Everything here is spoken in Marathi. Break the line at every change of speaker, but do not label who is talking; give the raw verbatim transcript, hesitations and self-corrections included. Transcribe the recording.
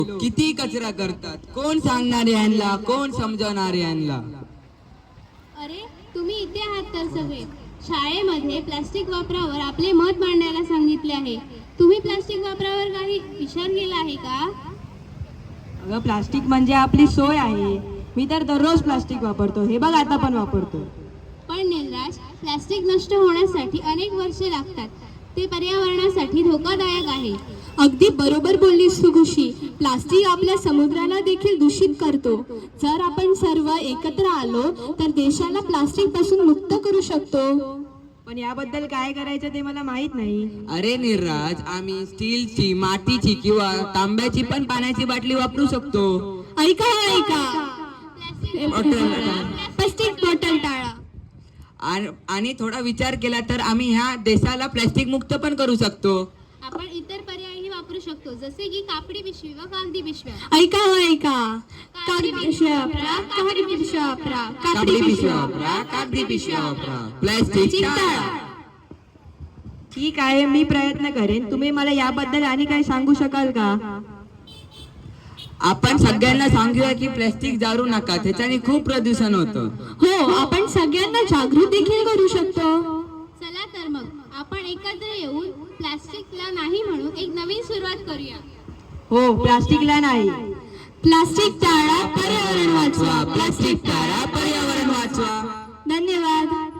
किती कचरा करतात, कोण सांगणार यांना, कोण समजवणार यांना?
अरे तुम्ही इथे आहात तर सगळे. शाळेमध्ये प्लास्टिक वापरावर आपले मत मांडायला सांगितले आहे. तुम्ही प्लास्टिक वापरावर काही विचार केला आहे का?
अगं प्लास्टिक म्हणजे आपली सोय आहे. मी तर दररोज प्लास्टिक वापरतो, हे बघ आता पण वापरतो.
पण निलराज, प्लास्टिक नष्ट होण्यासाठी अनेक वर्षे लागतात. ते पर्यावरणासाठी धोकादायक आहे.
अगदी बरोबर बोललीस तू खुशी. प्लास्टिक आपल्या समुद्राला देखील दूषित करतो. जर आपण सर्व एकत्र आलो तर देशाला प्लास्टिक पासून मुक्त करू शकतो.
पण याबद्दल काय करायचं ते मला माहित नाही.
अरे निर्राज, आम्ही स्टीलची, मातीची किंवा तांब्याची पण पाण्याची बाटली वापरू शकतो.
ऐका ऐका प्लास्टिक बॉटल टाळा.
आणि- आणि थोडा विचार केला तर आम्ही ह्या देशाला प्लास्टिक मुक्त पण करू शकतो.
आपण इतर पर्यायही वापरू शकतो, जसे की कापडी पिशवी व कागदी पिशव्या.
ऐका ऐका कागदी पिशव्या वापरा, कागदी पिशव्या वापरा,
कापडी पिशव्या वापरा, कागदी पिशव्या वापरा, प्लास्टिक टाळा.
ठीक आहे, मी प्रयत्न करेन. तुम्ही मला याबद्दल आणि काय सांगू शकाल का?
आपण सगळ्यांना सांगूया की प्लास्टिक जाळू नका, त्याच्याने खूप प्रदूषण होतं.
हो, आपण सगळ्यांना जागृत देखील करू शकतो.
चला तर मग आपण एकत्र येऊन प्लास्टिकला नाही म्हणून एक नवीन सुरुवात करूया.
हो, प्लास्टिकला नाही.
प्लास्टिक टाळा, पर्यावरण वाचवा.
प्लास्टिक टाळा, पर्यावरण वाचवा.
धन्यवाद.